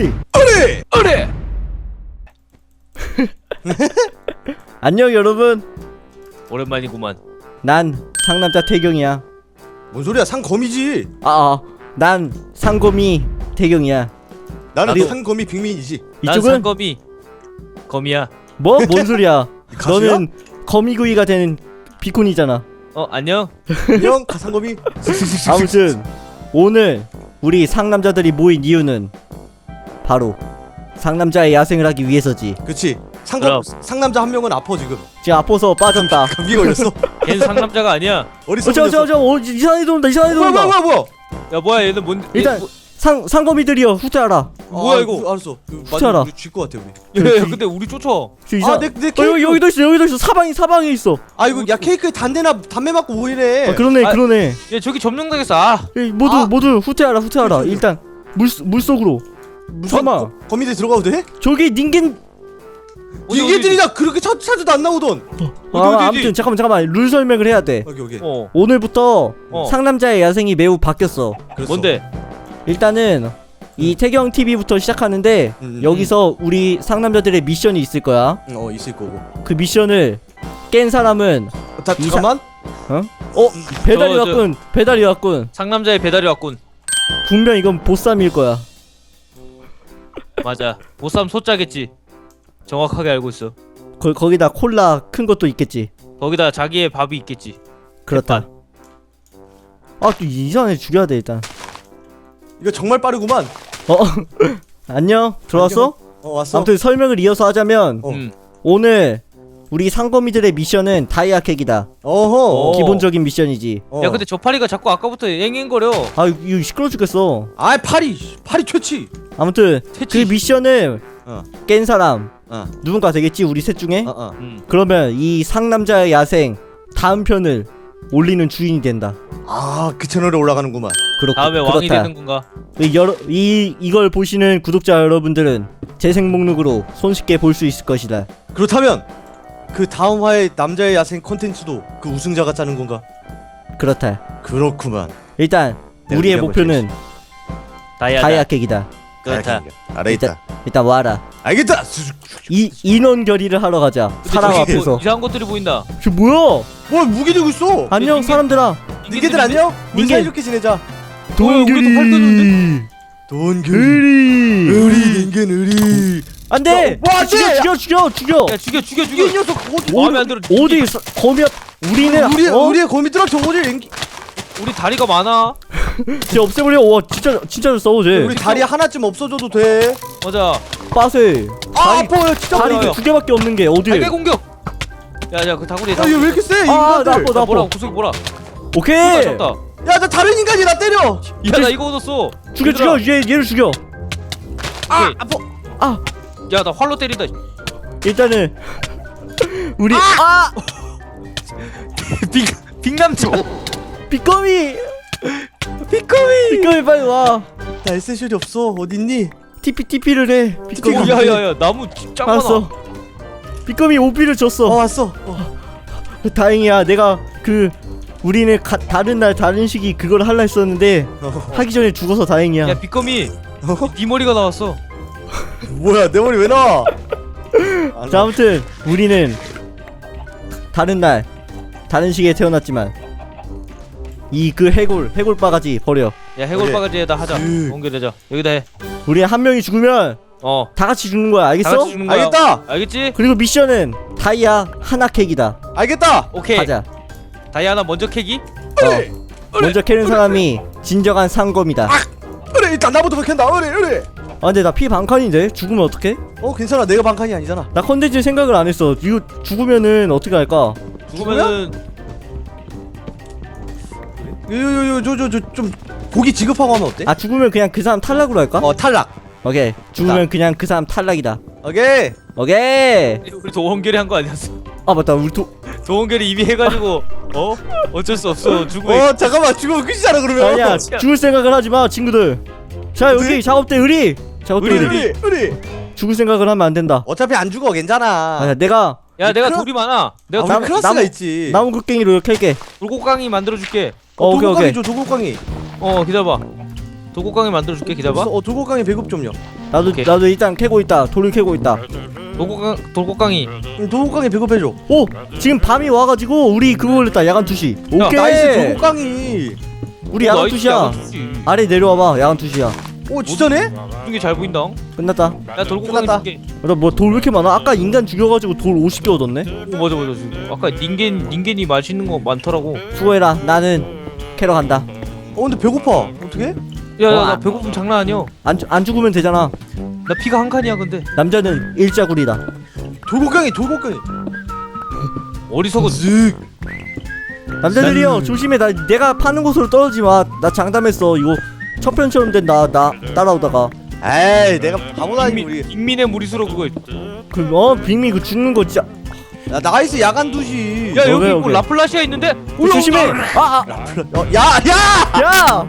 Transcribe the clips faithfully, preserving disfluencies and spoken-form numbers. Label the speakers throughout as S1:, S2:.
S1: 의리
S2: 의리 의리.
S1: 안녕 여러분,
S3: 오랜만이구만.
S1: 난 상남자 태경이야.
S2: 뭔 소리야? 상검이지.
S1: 아, 난 상검이 태경이야.
S2: 나는
S1: 나도-
S2: 상검이 빅민이지.
S3: 난
S1: 이쪽은
S3: 상검이 검이야.
S1: 뭐? 뭔 소리야?
S2: 가수야?
S1: 너는 거미구이가 되는 비콘이잖아.
S3: 어 안녕.
S2: 안녕 가상검이.
S1: 아무튼 오늘 우리 상남자들이 모인 이유는 바로 상남자의 야생을 하기 위해서지.
S2: 그렇지. 상검
S3: 그럼.
S2: 상남자 한 명은 아파 지금.
S1: 지금 아파서 빠졌다.
S2: 감기 걸렸어.
S3: 걔는 상남자가 아니야.
S2: 어디서?
S1: 어, 저, 저, 저, 어, 이상한 애들 온다, 이상한 애들
S2: 뭐야
S1: 온다.
S2: 뭐야 뭐야 뭐야.
S3: 야 뭐야 얘는 뭔?
S1: 일단
S3: 얘, 뭐,
S1: 상 상검이들이여 후퇴하라.
S3: 뭐야,
S2: 아,
S3: 이거?
S2: 그, 알았어. 그,
S1: 후퇴하라.
S2: 우리 쥘것 같아 우리.
S3: 야, 야, 근데 우리 쫓아.
S1: 저 이상.
S2: 아내 내
S1: 어,
S2: 케이크.
S1: 여기 여기도 있어, 여기도 있어. 사방이 사방에 있어.
S2: 아 이거 야 케이크에 담배나 담배 맞고 오이래.
S1: 아, 그러네,
S3: 아,
S1: 그러네.
S3: 야 저기 점령당했어. 아.
S1: 에이, 모두
S2: 아.
S1: 모두 후퇴하라, 후퇴하라. 일단 물 물 속으로. 잠깐만.
S2: 거미들 들어가도 돼?
S1: 저기 닌겐.
S3: 어디, 어디,
S2: 니게들이나 그렇게 찾 찾아도 안 나오던.
S3: 어디,
S1: 아,
S3: 어디,
S1: 아무튼 잠깐만 잠깐만 룰 설명을 해야 돼.
S2: 여기 여기.
S3: 어.
S1: 오늘부터
S3: 어.
S1: 상남자의 야생이 매우 바뀌었어.
S2: 그랬어.
S3: 뭔데?
S1: 일단은 이 태경 티비부터 시작하는데
S2: 음, 음,
S1: 여기서 우리 상남자들의 미션이 있을 거야.
S2: 음, 어 있을 거고.
S1: 그 미션을 깬 사람은
S2: 어, 다
S1: 이사-
S2: 잠깐만.
S1: 어 배달이
S3: 저, 저-
S1: 왔군. 배달이 왔군.
S3: 상남자의 배달이 왔군.
S1: 분명 이건 보쌈일 거야.
S3: 맞아. 보쌈 소짜겠지. 정확하게 알고 있어.
S1: 거, 거기다 콜라 큰 것도 있겠지.
S3: 거기다 자기의 밥이 있겠지.
S1: 그렇다. 아 또 이상한 애 죽여야 돼 일단.
S2: 이거 정말 빠르구만.
S1: 어 안녕 들어왔어?
S2: 어 왔어.
S1: 아무튼 설명을 이어서 하자면
S2: 어.
S3: 음.
S1: 오늘 우리 상검이들의 미션은 다이아 캑이다.
S2: 어허.
S3: 어.
S1: 기본적인 미션이지.
S2: 어.
S3: 야 근데 저 파리가 자꾸 아까부터 앵앵거려.
S1: 아 이거 시끄러 죽겠어.
S2: 아이 파리 파리 최치.
S1: 아무튼 그
S3: 퇴치.
S1: 미션을
S2: 어.
S1: 깬 사람
S2: 어.
S1: 누군가 되겠지 우리 셋 중에.
S2: 어 어.
S3: 음.
S1: 그러면 이 상남자의 야생 다음 편을 올리는 주인이 된다.
S2: 아그 채널에 올라가는구만.
S1: 그렇고
S3: 다음에 왕이
S1: 그렇다.
S3: 되는 건가?
S1: 이, 여러, 이 이걸 보시는 구독자 여러분들은 재생 목록으로 손쉽게 볼 수 있을 것이다.
S2: 그렇다면 그 다음 화의 남자의 야생 컨텐츠도 그 우승자가 짜는 건가?
S1: 그렇다.
S2: 그렇구만.
S1: 일단
S2: 네,
S1: 우리의
S2: 한번
S1: 목표는
S3: 다이아다.
S1: 다이아 캑이다.
S3: 그렇다.
S2: 알아있다.
S1: 일단 와라.
S2: 알겠다.
S1: 이 인원 결의를 하러 가자.
S3: 근데
S1: 사람
S3: 저기
S1: 앞에서.
S3: 뭐 이상한 것들이 보인다.
S1: 저 뭐야?
S2: 뭐 무기 들고 있어?
S1: 안녕
S3: 닌겐-
S1: 사람들아.
S2: 니게들 안녕? 우리
S1: 닌겐.
S2: 사이좋게 지내자.
S3: 우리도 팔
S1: 동규리.
S2: 돈규.
S1: 의리.
S2: 의리 닌겐 의리.
S1: 안돼.
S2: 뭐 안 돼!
S1: 죽여 죽여 죽여 죽여.
S3: 야 죽여 죽여
S2: 이
S3: 죽여.
S2: 녀석 어디
S3: 마음에 안 들어.
S1: 어디 서- 거미야? 우리는
S2: 우리
S1: 어?
S2: 우리의 거미들랑 저거를 연기.
S3: 우리 다리가 많아.
S1: 쟤 없애버려. 와 진짜 진짜 잘 싸워 쟤.
S2: 우리 다리 하나쯤 없어져도 돼.
S3: 맞아.
S1: 빠세.
S2: 아
S1: 다리-
S2: 아파요 진짜.
S1: 다리
S3: 뭐야?
S1: 두 개밖에 없는 게 어디?
S3: 달걀 공격. 야야 그 다구리.
S2: 아, 얘 왜 이렇게 세?
S1: 아,
S2: 인간들.
S1: 나빠, 나-
S3: 뭐라 구석이 뭐라.
S1: 오케이.
S3: 졌다.
S2: 야, 나 다른 인간이 나 때려.
S3: 야나 이거 얻었어.
S1: 죽여
S3: 얘들아.
S1: 죽여 얘 얘를 죽여.
S2: 아,
S3: 오케이.
S2: 아파.
S1: 아
S3: 야나 활로 때린다.
S1: 일단은 우리 아
S3: 빅 빅남자.
S1: 빗거미
S2: 비꺼미.
S1: 빗거미 빨리 와.
S2: 나 에센셜이 없어. 어딨니?
S1: 티피 티피를 해. 빗거미.
S3: 야야야 나무 짱 많아.
S1: 알았어. 빗거미 오피를
S2: 어
S1: 줬어.
S2: 왔어. 어.
S1: 다행이야. 내가 그 우리는 가, 다른 날 다른 시기 그걸 할라 했었는데
S2: 어.
S1: 하기 전에 죽어서 다행이야.
S3: 야 빅검이
S2: 어?
S3: 네 머리가 나왔어.
S2: 뭐야 내 머리 왜 나와? 안
S1: 자 아무튼 우리는 다른 날 다른 시기에 태어났지만 이 그 해골 해골 바가지 버려.
S3: 야 해골
S2: 그래.
S3: 바가지에다 하자.
S2: 그-
S3: 연결하자. 여기다 해.
S1: 우리 한 명이 죽으면
S3: 어.
S1: 다 같이 죽는 거야. 알겠어?
S3: 다 같이 주는 거야.
S2: 알겠다.
S3: 알겠지?
S1: 그리고 미션은 다이아 하나 캑이다.
S2: 알겠다.
S3: 오케이.
S1: 가자.
S3: 다이아나 먼저 캐기.
S1: 어. 먼저 캐는 사람이 진정한 상검이다.
S2: 그래 일단 나부터 캔다. 그래 그래.
S1: 아 근데 나 피 반칸인데 죽으면 어떡해?
S2: 어 괜찮아. 내가 반칸이 아니잖아.
S1: 나 컨텐츠 생각을 안 했어. 이거 죽으면은 어떻게 할까?
S3: 죽으면은
S2: 요요요 저 저 저 좀 고기 지급하고 하면 어때?
S1: 아 죽으면 그냥 그 사람 탈락으로 할까?
S2: 어 탈락.
S1: 오케이. 죽으면 그냥 그 사람 탈락이다.
S2: 오케이.
S1: 오케이.
S3: 우리 도원결이 한 거 아니었어?
S1: 아 맞다. 우리 도
S3: 도원결이 이미 해가지고 어 어쩔 수 없어 죽고.
S2: 어 잠깐만 죽으면 끝이잖아 그러면.
S1: 아니야. 죽을 생각을 하지 마, 친구들. 자 여기
S2: 네?
S1: 작업대 의리. 작업대
S2: 우리
S1: 의리.
S2: 우리 우리.
S1: 죽을 생각을 하면 안 된다.
S2: 어차피 안 죽어 괜찮아.
S1: 아 내가
S3: 야 내가
S2: 크라-
S3: 돌이 많아. 내가
S2: 아,
S3: 돌-
S2: 우리 클라스가
S1: 나무-
S2: 있지.
S1: 나무 곡괭이로 이렇게 할게.
S3: 돌고강이 만들어줄게.
S1: 어, 오케이
S2: 도곡강이
S1: 오케이.
S2: 줘 도곡강이.
S3: 어 기다려봐. 돌고강이 만들어줄게. 기다려봐.
S2: 어 도곡강이 배급 좀요.
S1: 나도
S3: 오케이.
S1: 나도 일단 캐고 있다. 돌을 캐고 있다.
S3: 돌고강 돌고강이.
S2: 도곡강이 배급해줘.
S1: 오 지금 밤이 와가지고 우리 그거 올렸다. 야간 투시.
S3: 야,
S1: 오케이.
S2: 나이스 도곡강이.
S1: 우리 야간 투시야. 아래 내려와봐. 야간 투시야.
S2: 오 진짜네?
S3: 이게 잘 보인다.
S1: 끝났다.
S3: 야 돌고강이
S2: 끝났다.
S3: 게.
S1: 나 뭐 돌 왜 이렇게 많아? 아까 인간 죽여가지고 돌 오십 개 얻었네.
S3: 오 맞아 맞아 지금. 아까 닌겐 닌겐이 맛있는 거 많더라고.
S1: 수고해라. 나는 캐러 간다.
S2: 어 근데 배고파. 어떻게?
S3: 야야
S1: 어,
S3: 나
S1: 아.
S3: 배고픔 장난 아니야.
S1: 안, 죽- 안 죽으면 되잖아.
S3: 나 피가 한 칸이야 근데.
S1: 남자는 일자구리다.
S2: 도곡강이 도곡강이.
S3: 어리석은.
S2: 쓱.
S1: 남자들이요 조심해. 나 내가 파는 곳으로 떨어지지 마. 나 장담했어. 이거 첫편처럼 된 나 나 따라오다가
S2: 에이 내가 바보다니 우리.
S3: 빅민의 무리수로 그거.
S1: 그 어 빅미 그 죽는 거 진짜.
S2: 야 나이스 야간 두시.
S3: 야
S1: 어,
S3: 여기
S1: 왜,
S3: 있고
S1: 왜?
S3: 라플라시아 있는데.
S1: 어, 조심해. 아, 아.
S2: 어, 야 야.
S1: 야.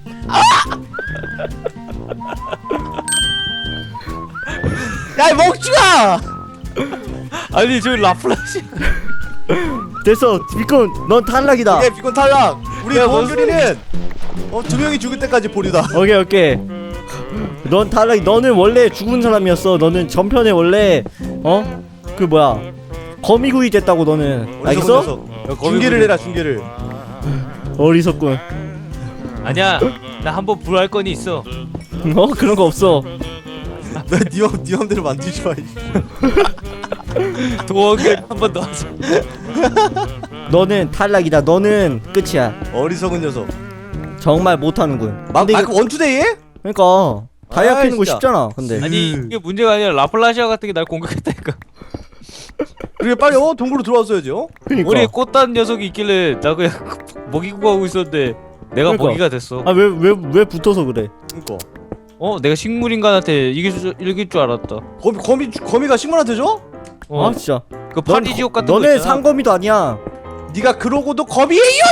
S2: 야이 먹지마.
S3: 아니 저기 라플라시아.
S1: 됐어. 비콘 넌 탈락이다.
S2: 오케이 비콘 탈락. 우리
S3: 야,
S2: 도원결이는 어두 명이 죽을 때까지 보류다.
S1: 오케이 오케이. 넌 탈락. 너는 원래 죽은 사람이었어. 너는 전편에 원래 어 그 뭐야 거미구이 됐다고 너는. 알겠어?
S2: 중계를 해라 중계를.
S1: 어리석군.
S3: 아니야 나 한번 불할 건이 있어.
S1: 어 그런 거 없어.
S2: 너네 네 맘대로 만들지 마.
S3: 도원결 한번 더 하자.
S1: 너는 탈락이다. 너는 끝이야.
S2: 어리석은 녀석.
S1: 정말 못하는군.
S2: 마,
S1: 근데
S2: 아,
S1: 이거
S2: 그 원투데이에?
S1: 그러니까 다이아
S2: 아이,
S1: 캐는 거
S2: 진짜.
S1: 쉽잖아. 근데
S3: 아니
S2: 음.
S3: 이게 문제가 아니라 라플라시아 같은 게 날 공격했다니까.
S2: 그래 빨리 어 동굴로 들어왔어야지 어?
S1: 그러니까.
S3: 우리 꽃단 녀석이 있길래 나 그냥 먹이고 가고 있었는데 내가
S1: 그러니까.
S3: 먹이가 됐어.
S1: 아 왜 왜 왜 붙어서 그래?
S2: 그니까
S3: 어 내가 식물인간한테 이길 줄 이길 줄 알았다.
S2: 거미 거미 거미가 식물한테 줘?
S3: 어,
S1: 아 진짜.
S3: 그
S1: 넌
S3: 파리 지옥
S1: 거-
S3: 같은 거
S1: 너네
S3: 있잖아.
S1: 상검이도 아니야.
S2: 네가 그러고도 거미예요?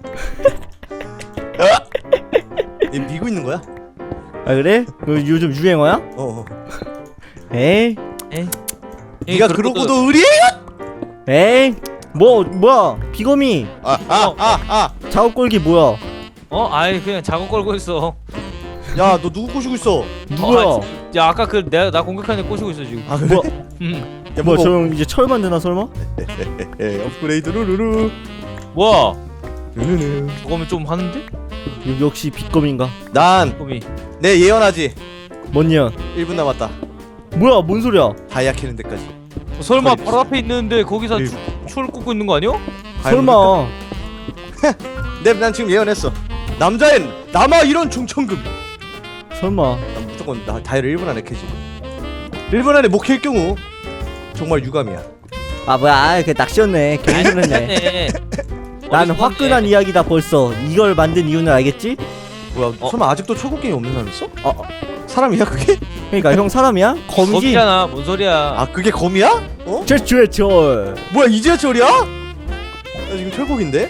S2: 얘 미고 있는 거야?
S1: 아 그래? 그 요즘 유행어야?
S2: 어. 어.
S1: 에이
S3: 에이,
S2: 네가
S3: 그러고도-
S2: 그러고도 의리예요?
S1: 에이 뭐 뭐야 비거미
S2: 아아아 아, 아.
S1: 작업 걸기 뭐야?
S3: 어 아이 그냥 작업 걸고 있어.
S2: 야 너 누구 꼬시고 있어?
S1: 누구야?
S3: 어, 야 아까 그 내가 나 공격하는 애 꼬시고 있어 지금.
S2: 아 그래?
S1: 뭐
S3: 음.
S2: 야
S1: 뭐야
S2: 뭐
S1: 저 형 이제 철 만드나 설마?
S2: 에 업그레이드 루루루
S3: 뭐야?
S2: 루루루.
S3: 저거면 좀 하는데?
S1: 요- 역시 비거미인가?
S2: 난내
S3: 거미.
S2: 예언하지.
S1: 뭔 년?
S2: 일 분 남았다.
S1: 뭐야 뭔 소리야?
S2: 다이아 캐는 데까지.
S3: 어, 설마
S2: 거의
S3: 바로 앞에 있는데 거기서
S2: 일-
S3: 추, 추를 꽂고 있는 거 아니야?
S1: 설마
S2: 네난 지금 예언했어. 남자엔 남아 이런 중천금.
S1: 설마
S2: 난 무조건 나 다이아를 일 분 안에 캐지. 일 분 안에 못 캘 경우 정말 유감이야.
S1: 아 뭐야 아, 그 낚시였네 괜히 그랬네.
S3: 네.
S1: 난 화끈한 이야기다 벌써. 이걸 만든 이유는 알겠지?
S2: 뭐야
S3: 어?
S2: 설마 아직도 철곡갱이 없는 사람 있어?
S1: 어, 어.
S2: 사람이야 그게?
S1: 그러니까 형 사람이야? 거미지?
S3: 거미잖아. 뭔 소리야?
S2: 아 그게 검이야? 어?
S1: 최초의 철.
S2: 뭐야 이제야 철이야? 나 지금 철곡인데?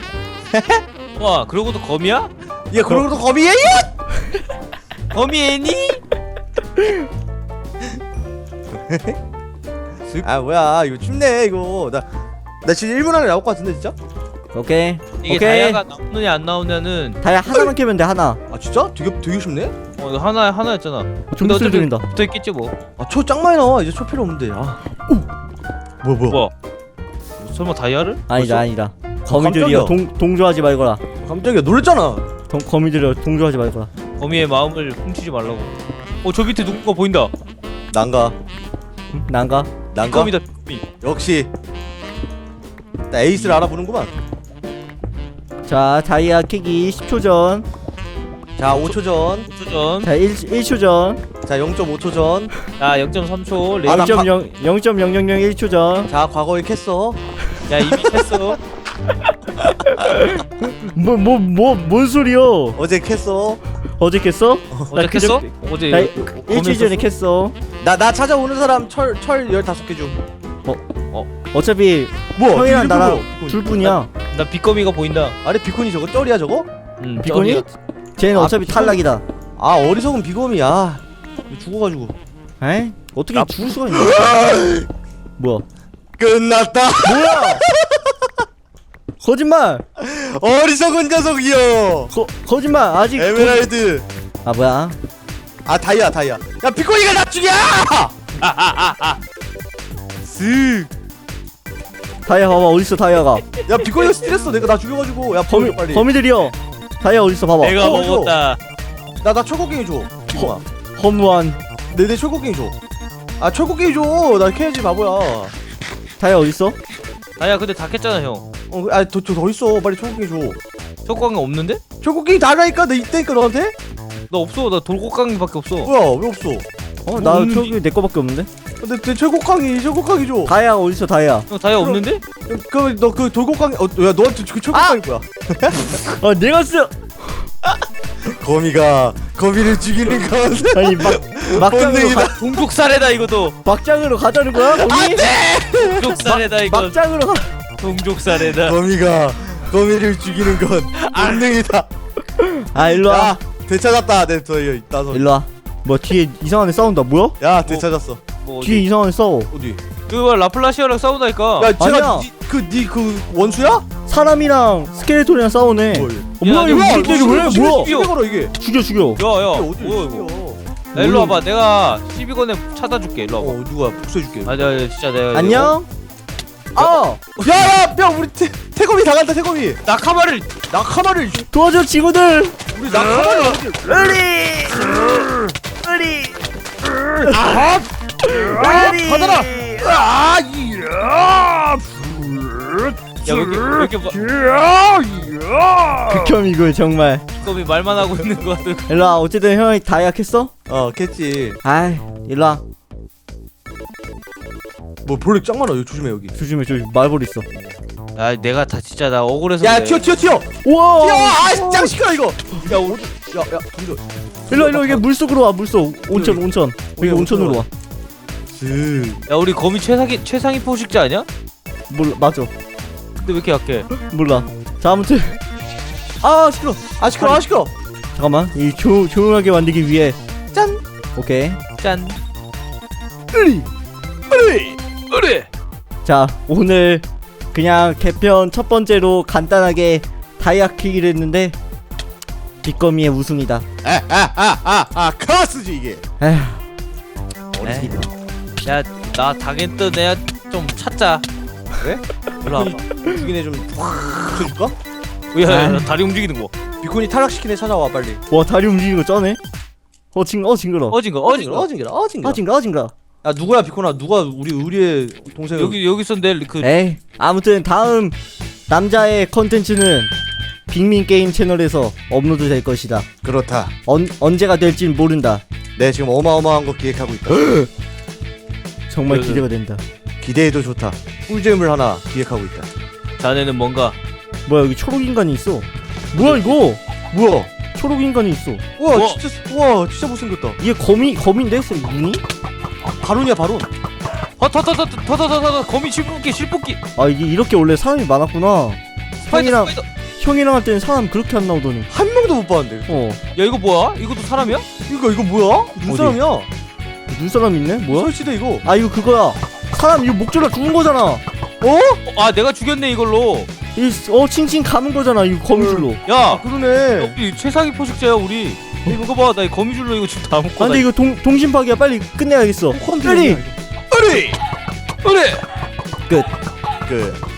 S3: 와 그러고도 거미야?
S2: 야 그러고도 검이에요?
S3: 거미 애니?
S2: 아 뭐야 이거 춥네 이거 나 나 지금 일 분 안에 나올 것 같은데 진짜?
S1: 오케이
S3: 이게
S1: 오케이.
S3: 다이아가 나오느냐 안 나오냐는
S1: 다이아 하나만 캐면 돼 하나.
S2: 아 진짜? 되게 되게 쉽네?
S3: 어 이거 하나 하나였잖아. 근데
S1: 좀 소리
S3: 어차피
S1: 들린다.
S3: 붙어 있겠지 뭐.
S2: 아초 짱 많이 나와 이제 초 필요 없는데 아 뭐야 뭐야
S3: 뭐? 설마 다이아를?
S1: 아니다
S2: 벌써?
S1: 아니다. 거미들이여
S2: 깜짝이야.
S1: 동 동조하지 말거라.
S2: 깜짝이야 놀랬잖아.
S1: 동 거미들이여 동조하지 말거라.
S3: 거미의 마음을 훔치지 말라고. 어 저 밑에 누군가 보인다.
S2: 난가
S1: 응? 난가?
S2: 난가
S3: 거미다 거미.
S2: 역시 나 에이스를 알아보는구만.
S1: 자 다이아 캐기 십 초 전.
S2: 자 오 초 전.
S3: 오 초 전.
S1: 자 일 초 전.
S2: 자 영 점 오 초 전.
S3: 자 영 점 삼 초. 레.
S2: 아, 나 바-
S1: 영 점 영영영일 초 전.
S2: 자 과거에 캤어.
S3: 야 이미 했어.
S1: 뭐 뭐 뭐 뭔 소리여?
S2: 어제 캤어.
S1: 어제 캤어?
S3: 어제
S1: 나
S3: 했어?
S1: 그저-
S3: 어제
S1: 나
S3: 검
S1: 일주일 전에
S3: 했었어?
S1: 캤어.
S2: 나 나 찾아오는 사람 철 철 열다섯 개 줌.
S1: 어차피
S2: 뭐야
S1: 형이랑
S2: 비콘
S1: 나랑
S2: 비콘.
S1: 둘 뿐이야.
S3: 나 빗거미가 보인다.
S2: 아래 비콘이 저거 쩔이야 저거?
S3: 음,
S1: 비콘이?
S3: 쩌리야.
S1: 쟤는
S2: 아,
S1: 어차피
S2: 비콘-
S1: 탈락이다.
S2: 아 어리석은 비검이야. 죽어가지고.
S1: 에이? 어떻게
S3: 나-
S1: 죽을 수가 있냐? 뭐야?
S2: 끝났다.
S1: 뭐야? 거짓말!
S2: 어리석은 녀석이여.
S1: 거 거짓말 아직
S2: 에메랄드.
S1: 거... 아 뭐야?
S2: 아 다이아 다이아. 야 비코니가 나 죽여! 쓱.
S1: 다이아 봐봐 어딨어 다이아가.
S2: 야 비코니가 스트레스 내가 나 죽여가지고. 야
S1: 거미
S2: 버려 빨리.
S1: 거미들이여. 다이아 어딨어 봐봐.
S3: 내가
S2: 어,
S3: 먹었다.
S2: 나나 철곡갱이 줘. 비코아.
S1: 허무한
S2: 내내 철곡갱이 줘. 아 철곡갱이 줘. 나 캐야지 바보야.
S1: 다이아 어딨어?
S3: 아야 근데 다 깼잖아 형.
S2: 어, 아더더 더 있어. 빨리 철곡갱이 줘.
S3: 초코강이 없는데?
S2: 철곡갱이 달라니까 내 있다니까 너한테.
S3: 나 없어. 나 돌고강이밖에 없어.
S2: 뭐야 왜 없어?
S1: 어나
S3: 없는데?
S1: 저기 내 거밖에 없는데.
S2: 내, 내 철곡강이 철곡강이 줘.
S1: 다이아가 어딨어 다이아.
S3: 형 다이아 없는데?
S2: 그럼 너 그 돌곡강이 어야 너한테 그 철곡강이 뭐야?
S1: 아 내가 쓰.
S2: 거미가 거미를 죽이는 건
S1: 아니 막 막장으로
S2: 본능이다.
S1: 가,
S3: 동족살해다 이것도.
S1: 막장으로 가자는 거야 거기?
S3: 동족살해다 이거.
S1: 막장으로 가.
S3: 동족살해다.
S2: 거미가 거미를 죽이는 건 본능이다.
S1: 아 일로 와.
S2: 야 되찾았다. 내 저기 나서.
S1: 일로 와. 뭐 뒤에 이상한 애 싸운다. 뭐야?
S2: 야 되찾았어.
S3: 뭐
S1: 뒤에
S3: 어디?
S1: 이상한 애 싸워.
S2: 어디?
S3: 그거 라플라시아랑 싸우다니까.
S2: 야 제가
S1: 아니야.
S2: 그니 그 원수야?
S1: 사람이랑 스켈레톤이랑 싸우네.
S2: 뭐,
S1: 어, 뭐야 이거
S3: 야,
S1: 무슨 얘기 왜?
S2: 시비
S1: 뭐야?
S2: 시비 걸어 이게.
S1: 죽여 죽여.
S3: 야야.
S2: 어디
S3: 뭐야
S2: 죽여?
S3: 이거? 야, 일로 와봐. 내가 십이 건에 찾아줄게. 일로 와봐.
S2: 어 누가 복수해줄게.
S3: 아, 내가 진짜 내가.
S1: 안녕. 아
S2: 야야 야 우리 태 태kom이 당한다 태kom이.
S3: 낙하마를.
S2: 낙하마를
S1: 도와줘 친구들.
S2: 우리 낙하마를 어디?
S1: 으리 으리
S2: 아
S1: 으리
S2: 받아라. 아 이야.
S3: 야, 왜 이렇게 왜 이렇게 막
S1: 극혐 이거 정말.
S3: 껌이 말만 하고 있는 거 같은.
S1: 일로 와. 어쨌든 형이 다 약했어?
S2: 어 겠지.
S1: 아이 일로 와.
S2: 뭐 벌레 짱 많아. 여기 조심해 여기.
S1: 조심해 조심. 말벌 있어.
S3: 아, 내가 다 진짜 나 억울해서.
S2: 야
S3: 그래.
S2: 튀어 튀어 튀어.
S1: 우와.
S2: 튀어. 아짱 시끄러 이거. 야 어디? 야야 던져.
S1: 일로 일로 이게 물속으로 와. 물속. 온천 온천. 여기
S2: 여기
S1: 온천으로 와.
S2: 쓱.
S3: 야, 우리 거미 최상위 최상위 포식자 아니야?
S1: 몰라 맞아.
S3: 근데 왜 이렇게 약해?
S1: 몰라. 자 아무튼 아 시끄러.
S2: 아 시끄러 아 시끄러.
S1: 잠깐만 이 조, 조용하게 만들기 위해 짠. 오케이.
S3: 짠.
S1: 으리.
S3: 으리. 으리.
S1: 자 오늘 그냥 개편 첫 번째로 간단하게 다이아 키기를 했는데 뒷거미의 우승이다.
S2: 아아아아아 카스지 이게.
S1: 에휴.
S3: 에이. 야, 나 당했던 애야 좀 찾자.
S2: 그래?
S3: 일로 와봐.
S2: 죽인 애좀 붙여줄까?
S3: 야, 야,
S1: 아.
S3: 야, 다리 움직이는 거.
S2: 비콘이 탈락시킨 애 찾아와 빨리.
S1: 와 다리 움직이는 거 쩌네. 어 징, 어 징그러.
S3: 어진 거, 어진 거.
S2: 어징그러 어징그러.
S1: 아 징그러, 아 징그러.
S2: 야 누구야 비콘아 누가 우리 우리의 동생
S3: 여기 여기서 내그
S1: 에이 아무튼 다음 남자의 컨텐츠는 빅민 게임 채널에서 업로드 될 것이다.
S2: 그렇다.
S1: 언 언제가 될진 모른다.
S2: 네 지금 어마어마한 거 기획하고 있다.
S1: 정말
S3: 그-
S1: 기대가 된다.
S2: 기대해도 좋다. 꿀잼을 하나 기획하고 있다.
S3: 자네는 뭔가
S1: 뭐야 여기 초록 인간이 있어. 뭐야 이거?
S2: 뭐야?
S1: 초록 인간이 있어.
S2: 우와
S3: 우와.
S2: 진짜 우와 진짜 못생겼다.
S1: 이게 거미 거미인데 눈이?
S2: 바론이야 바론.
S3: 허터터터터터터터 거미 실뽑기 실뽑기.
S1: 아 이게 이렇게 원래 사람이 많았구나.
S3: 스파이더
S1: 형이랑
S3: 스파이더.
S1: 형이랑 할 때는 사람 그렇게 안 나오더니.
S2: 한 명도 못 봤는데.
S1: 어
S3: 야, 이거 뭐야? 이것도 사람이야?
S2: 이거 이거 뭐야? 눈사람이야.
S1: 눈사람 있네? 뭐야?
S2: 설치돼 이거.
S1: 아 이거 그거야. 사람 이거 목줄라 죽은 거잖아.
S2: 어?
S3: 어, 아, 내가 죽였네 이걸로.
S1: 이어 칭칭 감은 거잖아 이거 거미줄로.
S3: 야,
S2: 그러네.
S3: 우리 최상위 포식자야 우리. 이거 봐, 나 이 거미줄로 이거 지금 다 먹고.
S1: 아 근데 이거 동 동심파기야 빨리 끝내야겠어. 빨리.
S2: 어리.
S3: 그래.
S1: 끝.
S2: 그